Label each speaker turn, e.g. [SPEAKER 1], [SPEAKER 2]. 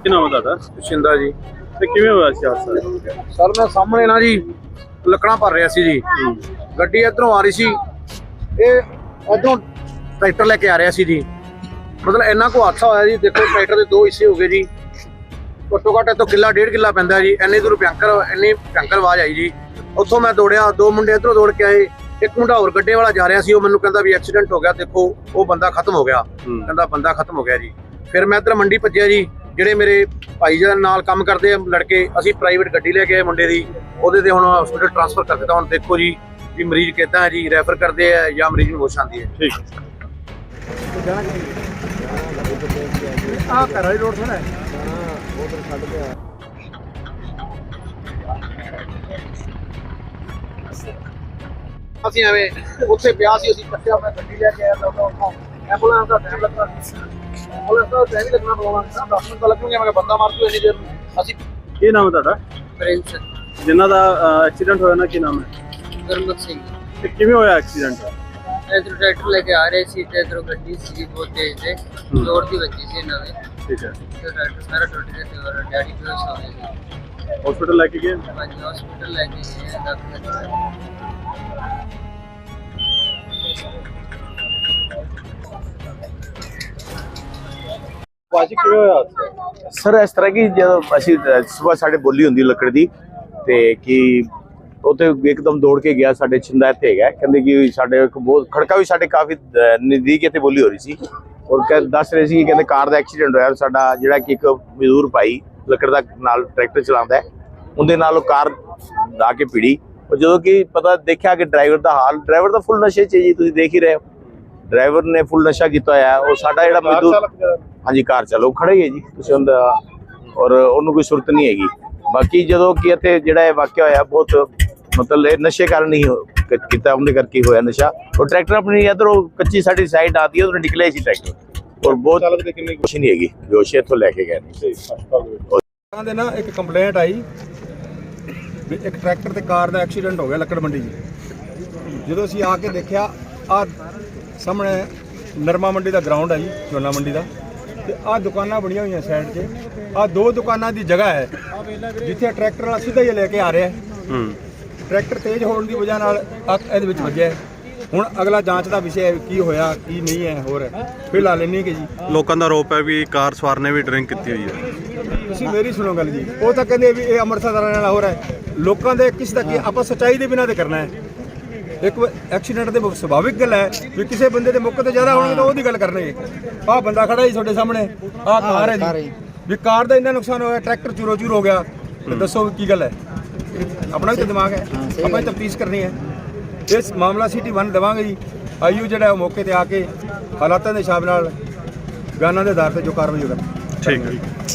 [SPEAKER 1] ਕੀ ਨਾਮ ਹੈ ਤੁਹਾਡਾ?
[SPEAKER 2] ਸ਼ਿੰਦਾ ਜੀ।
[SPEAKER 1] ਤੇ ਕਿਵੇਂ ਹੋਇਆ ਸੀ ਹਾਦਸਾ?
[SPEAKER 2] ਸਰ ਮੈਂ ਸਾਹਮਣੇ ਨਾ ਜੀ ਲੱਕੜਾਂ ਭਰ ਰਿਹਾ ਸੀ ਜੀ। ਗੱਡੀ ਇਧਰੋਂ ਆ ਰਹੀ ਸੀ, ਇਹ ਇਧਰੋਂ ਟਰੈਕਟਰ ਲੈ ਕੇ ਆ ਰਿਹਾ ਸੀ ਜੀ। ਮਤਲਬ ਇੰਨਾ ਕੋ ਹਾਦਸਾ ਹੋਇਆ ਜੀ। ਦੇਖੋ ਟਰੈਕਟਰ ਦੇ ਦੋ ਹਿੱਸੇ ਹੋ ਗਏ ਜੀ। ਘੱਟੋ ਘੱਟ ਇੱਥੋਂ ਕਿੱਲਾ 1.5 ਕਿੱਲਾ ਪੈਂਦਾ ਜੀ। ਇੰਨੀ ਦੂਰ ਇੰਨੀ ਭਿਅੰਕਰ ਆਵਾਜ਼ ਆਈ ਜੀ। ਉੱਥੋਂ ਮੈਂ ਦੌੜਿਆ, ਦੋ ਮੁੰਡੇ ਇੱਧਰੋਂ ਦੌੜ ਕੇ ਆਏ, ਇੱਕ ਮੁੰਡਾ ਹੋਰ ਗੱਡੇ ਵਾਲਾ ਜਾ ਰਿਹਾ ਸੀ। ਉਹ ਮੈਨੂੰ ਕਹਿੰਦਾ ਵੀ ਐਕਸੀਡੈਂਟ ਹੋ ਗਿਆ, ਦੇਖੋ ਉਹ ਬੰਦਾ ਖਤਮ ਹੋ ਗਿਆ। ਕਹਿੰਦਾ ਬੰਦਾ ਖਤਮ ਹੋ ਗਿਆ ਜੀ। ਫਿਰ ਮੈਂ ਇੱਧਰ ਮੰਡੀ ਭੱਜਿਆ ਜੀ। ਜਿਹੜੇ ਮੇਰੇ ਭਾਈ ਜੀ ਨਾਲ ਕੰਮ ਕਰਦੇ ਆ ਲੜਕੇ, ਅਸੀਂ ਪ੍ਰਾਈਵੇਟ ਗੱਡੀ ਲੈ ਕੇ ਆਏ ਮੁੰਡੇ ਦੀ, ਉਹਦੇ ਤੇ ਹੁਣ ਹਸਪੀਟਲ ਟ੍ਰਾਂਸਫਰ ਕਰ ਦਿੱਤਾ। ਹੁਣ ਦੇਖੋ ਜੀ ਵੀ ਮਰੀਜ਼ ਕਿੱਦਾਂ ਹੈ ਜੀ, ਰੈਫਰ ਕਰਦੇ ਆ ਜਾਂ ਮਰੀਜ਼ ਨੂੰ ਹੋਸ਼ ਆਉਂਦੀ ਹੈ।
[SPEAKER 1] ਠੀਕ
[SPEAKER 2] ਆਹ ਘਰ ਵਾਲੀ ਰੋਡ ਸੁਣਾ ਉਧਰ ਛੱਡ ਗਿਆ। ਅਸੀਂ ਐਵੇਂ ਉੱਥੇ ਪਿਆ ਸੀ, ਅਸੀਂ ਕੱਟਿਆ, ਮੈਂ ਗੱਡੀ ਲੈ ਕੇ ਆਇਆ ਤਾਂ ਉੱਥੋਂ ਐਂਬੂਲੈਂਸ ਦਾ ਟਾਈਮ ਲੱਗਾ। ਐਂਬੂਲੈਂਸ ਦਾ ਟਾਈਮ ਲੱਗਣਾ ਪਊਗਾ, 10 ਮਿੰਟ ਲੱਗਣਗੇ। ਮੈਂ ਬੰਦਾ ਮਾਰ ਦੂ ਇੰਨੀ ਦੇਰ ਨੂੰ। ਅਸੀਂ
[SPEAKER 1] ਕੀ ਨਾਮ ਹੈ ਤੁਹਾਡਾ?
[SPEAKER 3] ਪ੍ਰਿੰਸ
[SPEAKER 1] ਜਿਨ੍ਹਾਂ ਦਾ ਐਕਸੀਡੈਂਟ ਹੋਇਆ ਨਾ, ਕੀ ਨਾਮ ਹੈ?
[SPEAKER 3] ਗੁਰਮੁਖ ਸਿੰਘ।
[SPEAKER 1] ਤੇ ਕਿਵੇਂ ਹੋਇਆ ਐਕਸੀਡੈਂਟ?
[SPEAKER 3] ਇਧਰ ਟਰੈਕਟਰ ਲੈ ਕੇ ਆ ਰਹੇ ਸੀ ਤੇ ਇਧਰੋਂ ਗੱਡੀ ਸੀ ਬਹੁਤ ਤੇਜ਼ ਤੇ ਜ਼ੋਰ ਦੀ ਵੱਜੀ ਸੀ ਇਹਨਾਂ ਦੇ।
[SPEAKER 1] ਠੀਕ ਹੈ।
[SPEAKER 3] ਤੇ ਟਰੈਕਟਰ ਸਾਰਾ ਟੁੱਟ ਗਿਆ ਤੇ ਔਰ ਡੈਡੀ ਬੇਹੋਸ਼ ਹੋ ਗਏ ਸੀ।
[SPEAKER 1] ਹਸਪੀਟਲ ਲੈ ਕੇ ਗਏ?
[SPEAKER 3] ਹਾਂਜੀ ਹਸਪੀਟਲ ਲੈ ਕੇ ਗਏ ਡਾਕਟਰ।
[SPEAKER 1] ਭਾਜੀ ਕਿਵੇਂ ਹੋਇਆ ਹਾਦਸਾ?
[SPEAKER 4] ਸਰ ਇਸ ਤਰ੍ਹਾਂ ਕਿ ਜਦੋਂ ਅਸੀਂ ਸਵੇਰ ਸਾਡੇ ਬੋਲੀ ਹੁੰਦੀ ਲੱਕੜ ਦੀ ਤੇ ਕਿ ਉੱਥੇ ਇੱਕਦਮ ਦੌੜ ਕੇ ਗਿਆ। ਸਾਡੇ ਛਿੰਦਾ ਇੱਥੇ ਹੈਗਾ, ਕਹਿੰਦੇ ਕਿ ਸਾਡੇ ਇੱਕ ਬਹੁਤ ਖੜਕਾ ਵੀ ਸਾਡੇ ਕਾਫੀ ਨਜ਼ਦੀਕ ਇੱਥੇ ਬੋਲੀ ਹੋ ਰਹੀ ਸੀ। ਔਰ ਦੱਸ ਰਹੇ ਸੀ ਕਿ ਕਹਿੰਦੇ ਕਾਰ ਦਾ ਐਕਸੀਡੈਂਟ ਹੋਇਆ। ਸਾਡਾ ਜਿਹੜਾ ਕਿ ਇੱਕ ਮਜ਼ਦੂਰ ਭਾਈ ਲੱਕੜ ਦਾ ਨਾਲ ਟਰੈਕਟਰ ਚਲਾਉਂਦਾ, ਉਹਦੇ ਨਾਲ ਉਹ ਕਾਰ ਲਾ ਕੇ ਭਿੜੀ। ਉਹ ਜਦੋਂ ਕਿ ਪਤਾ ਦੇਖਿਆ ਕਿ ਡਰਾਈਵਰ ਦਾ ਹਾਲ, ਡਰਾਈਵਰ ਦਾ ਫੁੱਲ ਨਸ਼ੇ 'ਚ ਜੀ, ਤੁਸੀਂ ਦੇਖ ਹੀ ਰਹੇ ਹੋ। ਡਰਾਈਵਰ ਨੇ ਫੁੱਲ ਨਸ਼ਾ ਕੀਤਾ ਹੋਇਆ। ਉਹ ਸਾਡਾ ਜਿਹੜਾ ਮਜ਼ਦੂਰ, ਹਾਂਜੀ ਕਾਰ ਚਾਲਕ ਖੜਾ ਹੀ ਹੈ ਜੀ, ਤੁਸੀਂ ਉਹਦਾ, ਔਰ ਉਹਨੂੰ ਕੋਈ ਸੁਰਤ ਨਹੀਂ ਹੈਗੀ। ਬਾਕੀ ਜਦੋਂ ਕਿ ਇੱਥੇ ਜਿਹੜਾ ਇਹ ਵਾਕਿਆ ਹੋਇਆ, ਬਹੁਤ ਮਤਲਬ ਇਹ ਨਸ਼ੇ ਕਾਰਨ ਹੀ ਕੀਤਾ, ਉਹਦੇ ਕਰਕੇ ਹੋਇਆ ਨਸ਼ਾ। ਉਹ ਟਰੈਕਟਰ ਆਪਣੀ ਇੱਧਰੋਂ ਕੱਚੀ ਸਾਡੀ ਸਾਈਡ ਆਦੀ, ਉਧਰੋਂ ਨਿਕਲਿਆ ਸੀ ਟਰੈਕਟਰ, ਔਰ ਬਹੁਤ ਕੁਛ ਨਹੀਂ ਹੈਗੀ। ਜੋਸ਼ ਇੱਥੋਂ ਲੈ ਕੇ ਗਏ
[SPEAKER 2] ਦੇ ਨਾ ਇੱਕ ਕੰਪਲੇਂਟ ਆਈ ਵੀ ਇੱਕ ਟਰੈਕਟਰ ਤੇ ਕਾਰ ਦਾ ਐਕਸੀਡੈਂਟ ਹੋ ਗਿਆ ਲੱਕੜ ਮੰਡੀ 'ਚ। ਜਦੋਂ ਅਸੀਂ ਆ ਕੇ ਦੇਖਿਆ, ਆ ਸਾਹਮਣੇ ਨਰਮਾ ਮੰਡੀ ਦਾ ਗਰਾਊਂਡ ਹੈ ਜੀ, ਝੋਨਾ ਮੰਡੀ ਦਾ, ਤੇ ਆਹ ਦੁਕਾਨਾਂ ਬਣੀਆਂ ਹੋਈਆਂ ਸਾਈਡ 'ਤੇ। ਆਹ ਦੋ ਦੁਕਾਨਾਂ ਦੀ ਜਗ੍ਹਾ ਹੈ ਜਿੱਥੇ ਟਰੈਕਟਰ ਵਾਲਾ ਸਿੱਧਾ ਹੀ ਲੈ ਕੇ ਆ ਰਿਹਾ। ਟਰੈਕਟਰ ਤੇਜ਼ ਹੋਣ ਦੀ ਵਜ੍ਹਾ ਨਾਲ ਇਹਦੇ ਵਿੱਚ ਵੱਜਿਆ। ਹੁਣ ਅਗਲਾ ਜਾਂਚ ਦਾ ਵਿਸ਼ਾ ਹੈ ਕੀ ਹੋਇਆ ਕੀ ਨਹੀਂ ਹੈ। ਹੋਰ ਫਿਲਹਾਲ ਇੰਨੀ ਕਿ ਜੀ
[SPEAKER 1] ਲੋਕਾਂ ਦਾ ਆਰੋਪ ਹੈ ਵੀ ਕਾਰ ਸਵਾਰ ਨੇ ਵੀ ਡਰਿੰਕ ਕੀਤੀ ਹੋਈ ਹੈ।
[SPEAKER 2] ਤੁਸੀਂ ਮੇਰੀ ਸੁਣੋ ਗੱਲ ਜੀ। ਉਹ ਤਾਂ ਕਹਿੰਦੇ ਵੀ ਇਹ ਅੰਮ੍ਰਿਤਸਰ ਦਾ ਰਹਿਣ ਵਾਲਾ ਹੋ ਰਿਹਾ। ਲੋਕਾਂ ਦੇ ਕਿਸ ਦਾ ਕੀ ਆਪਾਂ ਸੱਚਾਈ ਦੇ ਬਿਨਾਂ ਤੇ ਕਰਨਾ ਹੈ। ਇੱਕ ਐਕਸੀਡੈਂਟ ਦੇ ਸੁਭਾਵਿਕ ਗੱਲ ਹੈ ਵੀ ਕਿਸੇ ਬੰਦੇ ਦੇ ਮੌਕੇ ਤੇ ਜ਼ਿਆਦਾ ਹੋਣਗੇ ਤਾਂ ਉਹਦੀ ਗੱਲ ਕਰਨਗੇ। ਆਹ ਬੰਦਾ ਖੜਾ ਜੀ ਤੁਹਾਡੇ ਸਾਹਮਣੇ, ਆਹ ਕਾਰ ਹੈ ਜੀ, ਵੀ ਕਾਰ ਦਾ ਇੰਨਾ ਨੁਕਸਾਨ ਹੋਇਆ, ਟਰੈਕਟਰ ਚੂਰੋ ਚੂਰ ਹੋ ਗਿਆ। ਤੇ ਦੱਸੋ ਕੀ ਗੱਲ ਹੈ? ਆਪਣਾ ਵੀ ਤਾਂ ਦਿਮਾਗ ਹੈ, ਆਪਾਂ ਤਫਤੀਸ਼ ਕਰਨੀ ਹੈ। ਇਸ ਮਾਮਲਾ ਸਿਟੀ 1 ਦੇਵਾਂਗੇ ਜੀ। ਆਈਓ ਜਿਹੜਾ ਮੌਕੇ ਤੇ ਆ ਕੇ ਹਾਲਾਤਾਂ ਦੇ ਹਿਸਾਬ ਨਾਲ ਬਿਆਨਾਂ ਦੇ ਆਧਾਰ ਤੇ ਜੋ ਕਾਰਵਾਈ ਹੋਵੇਗੀ।
[SPEAKER 1] ਠੀਕ ਹੈ।